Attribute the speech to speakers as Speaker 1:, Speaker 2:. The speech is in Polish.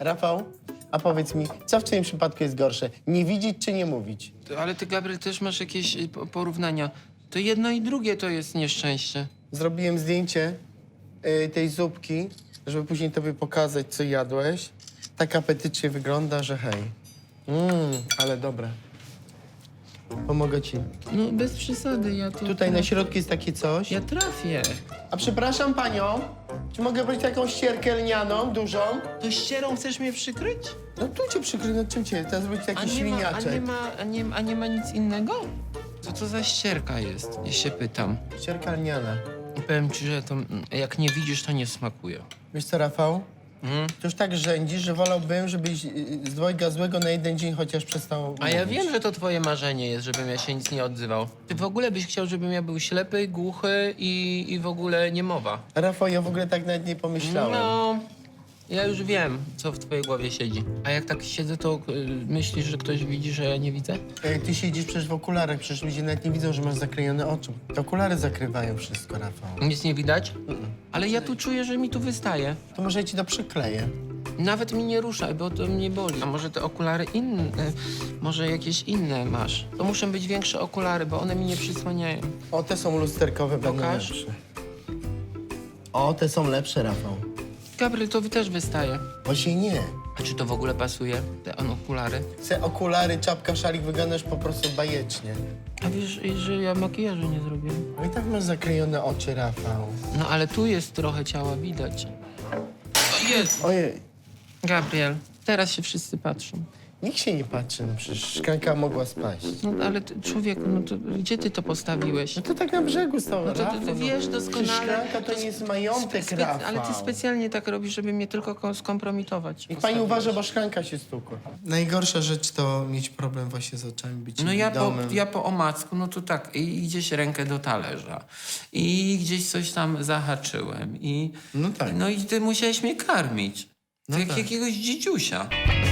Speaker 1: Rafał, a powiedz mi, co w twoim przypadku jest gorsze? Nie widzieć czy nie mówić?
Speaker 2: Ale ty, Gabriel, też masz jakieś porównania. To jedno i drugie to jest nieszczęście.
Speaker 1: Zrobiłem zdjęcie tej zupki, żeby później tobie pokazać, co jadłeś. Tak apetycznie wygląda, że hej. Ale dobre. Pomogę ci.
Speaker 2: No bez przesady, ja to...
Speaker 1: Tutaj na środku jest takie coś.
Speaker 2: Ja trafię.
Speaker 1: A przepraszam panią, czy mogę brać taką ścierkę lnianą, dużą?
Speaker 2: To ścierą chcesz mnie przykryć?
Speaker 1: No tu cię przykryję, no czym cię? Teraz zrobić taki świniaczek.
Speaker 2: A nie ma nic innego? Co to za ścierka jest? Ja się pytam.
Speaker 1: Ścierka lniana.
Speaker 2: I powiem ci, że to jak nie widzisz, to nie smakuje.
Speaker 1: Wiesz co, Rafał? To już tak rzędzisz, że wolałbym, żebyś z dwojga złego na jeden dzień chociaż przestał
Speaker 2: A ja
Speaker 1: mówić.
Speaker 2: wiem, że to twoje marzenie jest, żebym ja się nic nie odzywał. Ty w ogóle byś chciał, żebym ja był ślepy, głuchy i w ogóle niemowa.
Speaker 1: Rafał, ja w ogóle tak nawet nie pomyślałem.
Speaker 2: No, ja już wiem, co w twojej głowie siedzi. A jak tak siedzę, to myślisz, że ktoś widzi, że ja nie widzę?
Speaker 1: Ty siedzisz przecież w okularach, przecież ludzie nawet nie widzą, że masz zaklejone oczy. Te okulary zakrywają wszystko, Rafał.
Speaker 2: Nic nie widać? Ale ja tu czuję, że mi tu wystaje.
Speaker 1: To może ja ci to przykleję.
Speaker 2: Nawet mi nie ruszaj, bo to mnie boli. A może te okulary inne, może jakieś inne masz? To muszą być większe okulary, bo one mi nie przysłaniają.
Speaker 1: O, te są lusterkowe, będą
Speaker 2: Pokaż.
Speaker 1: lepsze. O, te są lepsze, Rafał.
Speaker 2: Gabriel, to też wystaje.
Speaker 1: Właśnie nie.
Speaker 2: A czy to w ogóle pasuje, te okulary?
Speaker 1: Te okulary, czapka, szalik wyglądasz po prostu bajecznie.
Speaker 2: A wiesz, że ja makijażu nie zrobiłem?
Speaker 1: No i tak masz zaklejone oczy, Rafał.
Speaker 2: No ale tu jest trochę ciała widać. O jest!
Speaker 1: Ojej,
Speaker 2: Gabriel, teraz się wszyscy patrzą.
Speaker 1: nikt się nie patrzy, no przecież szklanka mogła spaść.
Speaker 2: No ale ty, człowieku, no to gdzie ty to postawiłeś?
Speaker 1: No to tak na brzegu stało,
Speaker 2: No to
Speaker 1: Rafał.
Speaker 2: ty wiesz
Speaker 1: Przecież
Speaker 2: doskonale...
Speaker 1: szklanka to nie jest majątek, Rafał.
Speaker 2: Ale ty specjalnie tak robisz, żeby mnie tylko skompromitować.
Speaker 1: Niech pani uważa, bo szklanka się stukła. Najgorsza rzecz to mieć problem właśnie z oczami, być
Speaker 2: No
Speaker 1: niewidomym.
Speaker 2: ja po omacku, no to tak, i gdzieś rękę do talerza, i gdzieś coś tam zahaczyłem,
Speaker 1: No tak.
Speaker 2: no i ty musiałeś mnie karmić.
Speaker 1: No
Speaker 2: Jak
Speaker 1: tak.
Speaker 2: jakiegoś dzidziusia.